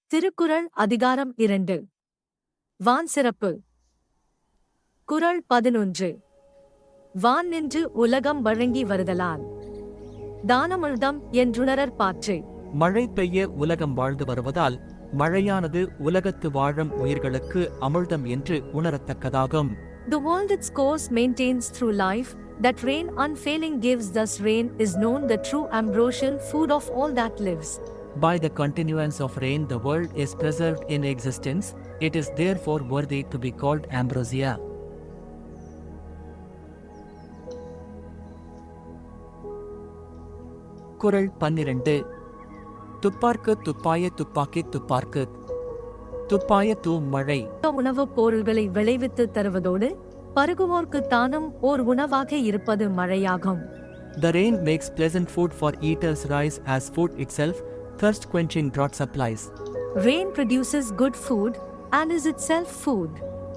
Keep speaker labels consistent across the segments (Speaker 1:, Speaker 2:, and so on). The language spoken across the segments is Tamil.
Speaker 1: திருக்குறள் அதிகாரம் 2. வான் சிறப்பு. குறள் 11. வான் நின்று உலகம் வழங்கி வருதலால் தானமிழ்தம் என்றுணரற் பாற்று.
Speaker 2: மழை பெய்ய உலகம் வாழ்ந்து வருவதால் மழையானது உலகத்து வாழும் உயிர்களுக்கு அமிழ்தம் என்று உணரத்தக்கதாகும்.
Speaker 1: The world its course maintains through life, that rain unfailing gives, thus rain is known the true ambrosial food of all that lives.
Speaker 2: By the continuance of rain the world is preserved in existence, it is therefore worthy to be called ambrosia. குறள் 12. துப்பார்க்கு துப்பாய துப்பாக்கி துப்பார்க்கு துப்பாய மழை.
Speaker 1: உணவுப் பொருள்களை விளைவித்து தருவதோடு பருகுவோர்க்கு தானும் ஓர் உணவாக இருப்பது மழையாகும்.
Speaker 2: The rain makes pleasant food for eaters rise as food itself, thirst quenching drought supplies.
Speaker 1: Rain produces good food and is itself food.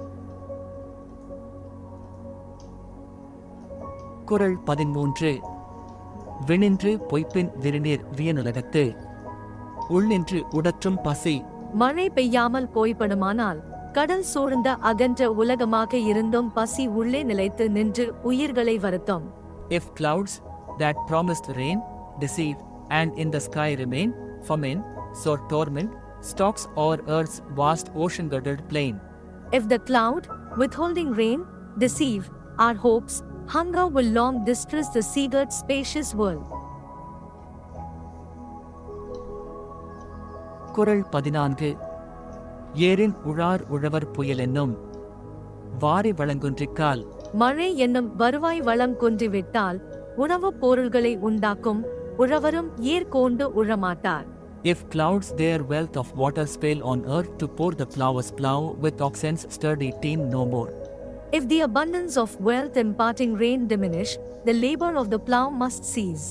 Speaker 2: குறள் 13. விண்ணின்று பொய்ப்பின் விரிநீர் வியனுலகத்து உள்நின்று உடற்றும் பசி.
Speaker 1: மழை பெய்யாமல் போய்படுமானால் கடல் சூழ்ந்த அகன்ற உலகமாக இருந்தும் பசி உள்ளே நிலைத்து நின்று உயிர்களை வருத்தும்.
Speaker 2: If clouds that promised rain deceive, and in the sky remain famine, sore torment stalks o'er earth's vast ocean-girdled plain.
Speaker 1: If the cloud, withholding rain, deceive our hopes, hunger will long distress the seagirt spacious world.
Speaker 2: குறள் 14. ஏரின் உழார் உழவர் புயலென்னும் வாரி வளங்குன்றிக்கால்.
Speaker 1: மழை என்னும் வருவாய் வளம் குன்றிவிட்டால் உணவுப் பொருள்களை உண்டாக்கும் உழவரும் ஏற்கொண்டு உழமாட்டார்.
Speaker 2: If clouds their wealth of water spill on earth to pour, the plowers plow with oxen's sturdy team no more.
Speaker 1: If the abundance of wealth imparting rain diminish, the labor of the plow must cease.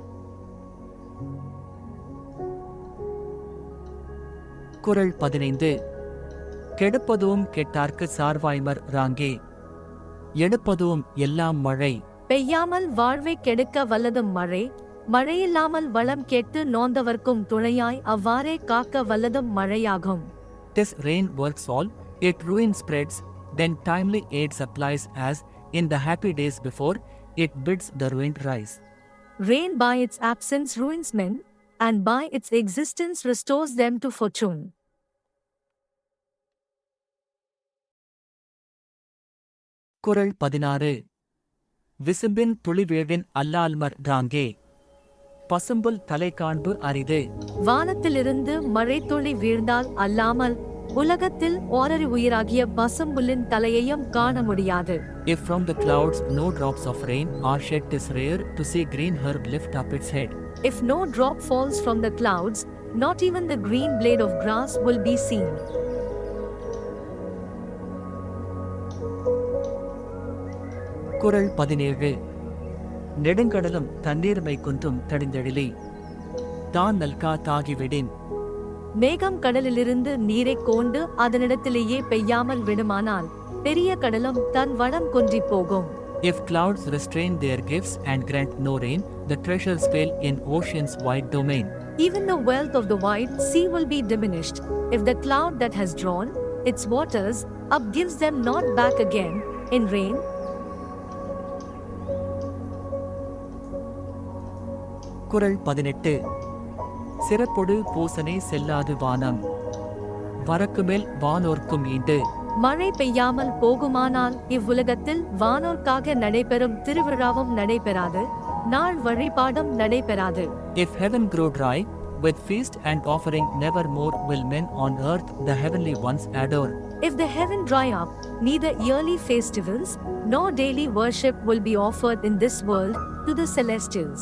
Speaker 2: குறள் 15. கெடுப்பதும் கெட்டார்க்கு சார்வாய்மர் ராங்கே எடுப்பதும் எல்லாம் மழை.
Speaker 1: பெய்யாமல் வாழ்வை கெடுக்க வல்லதும் மழை, மழையில்லாமல் வளம் கெட்டு நோந்தவர்க்கும் துணையாய் அவ்வாறே காக்க வல்லதும் மழையாகும்.
Speaker 2: This rain works all, it ruin spreads, then timely aid supplies as, in the happy days before, it bids the ruined rise.
Speaker 1: Rain by its absence ruins men, and by its existence restores them to fortune.
Speaker 2: குறள் 16. விசும்பின் துளிவேழின் அல்லால்மர் ராங்கே பசும்புல் தலை காண்பு அரிது.
Speaker 1: வானத்திலிருந்து மழைத்துளி வீழ்ந்தால் அல்லாமல் உலகத்தில் ஓரறி உயிராகிய பசும்புல்லின் தலையையும் காண முடியாது.
Speaker 2: If from the clouds no drops of rain are shed, 'tis rare to see green herb lift up its head.
Speaker 1: If no drop falls from the clouds, not even the green blade of grass will be seen.
Speaker 2: குறள் 17. நெடுங்கடலும் தண்ணீர்மை குன்றும் தடிந்தெழிலி தான் நல்கா தாகிவிடின்.
Speaker 1: மேகம் கடலிலிருந்து நீரைக் கொண்டு அதனிடத்திலேயே பெய்யாமல் விடுமானால் பெரிய கடலும் தன் வளம் குன்றிப் போகும்.
Speaker 2: If clouds restrain their gifts and grant no rain, the treasures fail in ocean's wide domain.
Speaker 1: Even the wealth of the wide sea will be diminished, if the cloud that has drawn its waters up gives them not back again in rain.
Speaker 2: குறள் 18. சிறப்பொடு பூசனை செல்லாது வானம் வரக்குமேல் வானோர்க்கும் ஈண்டு.
Speaker 1: மழை பெய்யாமல் போகுமானால் இவ்வுலகத்தில் வானோர்க்காக நடைபெறும் திருவிழாவும் நடைபெறாது, நாள் வழிபாடும் நடைபெறாது.
Speaker 2: If heaven grow dry, with feast and offering never more will men on earth the heavenly ones adore.
Speaker 1: If the heaven dry up, neither yearly festivals nor daily worship will be offered in this world to the celestials.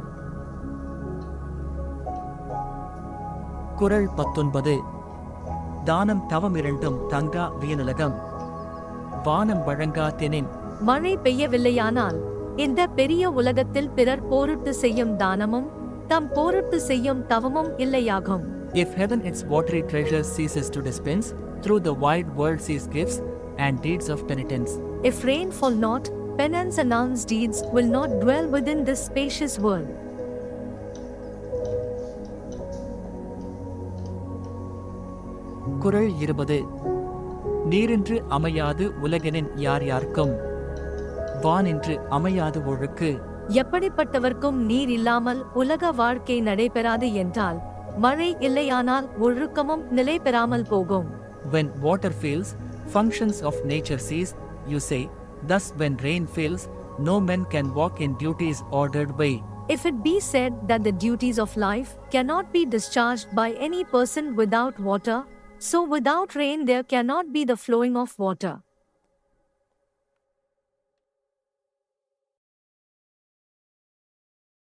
Speaker 2: குறள் 19. தானம் தவம் இரண்டும் தங்கா வியனுலகம் வானம் வழங்கா தெனின்.
Speaker 1: மழை பெய்யவில்லையானால் இந்த பெரிய உலகத்தில் பிறர் போரிட்டு செய்யும் தானமும் தம் போரிட்டு செய்யும் தவமும் இல்லையாகும்.
Speaker 2: If heaven its watery treasures ceases to dispense, through the wide world sees gifts and deeds of penitence.
Speaker 1: If rain fall not, penance and alms deeds will not dwell within this spacious world.
Speaker 2: குறள் 20. நீரின்று அமையாது உலகெனின் யார் யார்க்கும் வானின்று அமையாது ஒழுக்கு.
Speaker 1: எப்படிப்பட்டவர்க்கும் நீர் இல்லாமல் உலக வாழ்க்கை நடைபெறாது என்றால் மழை இல்லையானால் ஒழுக்கமும் நிலை பெறாமல் போகும்.
Speaker 2: When water fails, functions of nature cease, you say. Thus when rain fails, no man can walk in duties ordered by.
Speaker 1: If it be said that the duties of life cannot be discharged by any person without water, so without rain there cannot be the flowing of water.